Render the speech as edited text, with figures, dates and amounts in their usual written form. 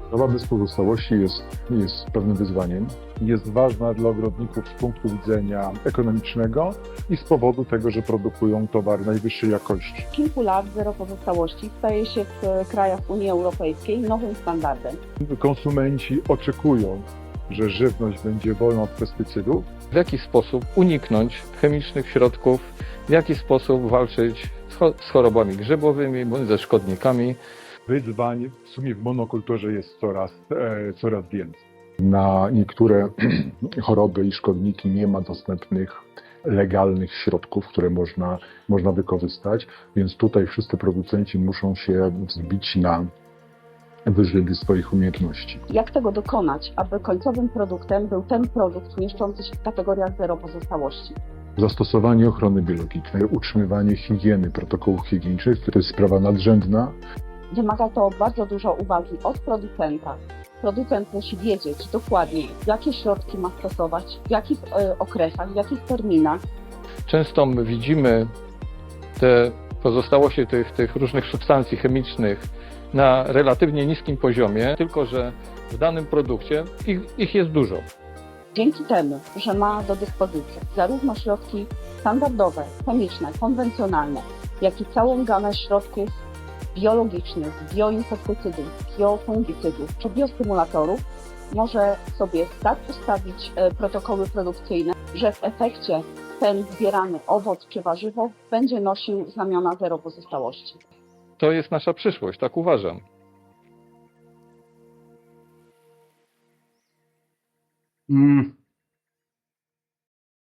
Uprawa bez pozostałości jest pewnym wyzwaniem. Jest ważna dla ogrodników z punktu widzenia ekonomicznego i z powodu tego, że produkują towar najwyższej jakości. Od kilku lat zero pozostałości staje się w krajach Unii Europejskiej nowym standardem. Konsumenci oczekują, że żywność będzie wolna od pestycydów. W jaki sposób uniknąć chemicznych środków, w jaki sposób walczyć z chorobami grzybowymi bądź ze szkodnikami. Wyzwań w sumie w monokulturze jest coraz więcej. Na niektóre choroby i szkodniki nie ma dostępnych legalnych środków, które można wykorzystać, więc tutaj wszyscy producenci muszą się wzbić na wyżyny swoich umiejętności. Jak tego dokonać, aby końcowym produktem był ten produkt mieszczący się w kategoriach zero pozostałości? Zastosowanie ochrony biologicznej, utrzymywanie higieny, protokołów higienicznych to jest sprawa nadrzędna. Wymaga to bardzo dużo uwagi od producenta. Producent musi wiedzieć dokładnie, jakie środki ma stosować, w jakich okresach, w jakich terminach. Często my widzimy te pozostałości tych różnych substancji chemicznych na relatywnie niskim poziomie, tylko że w danym produkcie ich jest dużo. Dzięki temu, że ma do dyspozycji zarówno środki standardowe, chemiczne, konwencjonalne, jak i całą gamę środków biologicznych, bioinsektycydów, biofungicydów czy biostymulatorów, może sobie tak ustawić protokoły produkcyjne, że w efekcie ten zbierany owoc czy warzywo będzie nosił znamiona zero pozostałości. To jest nasza przyszłość, tak uważam.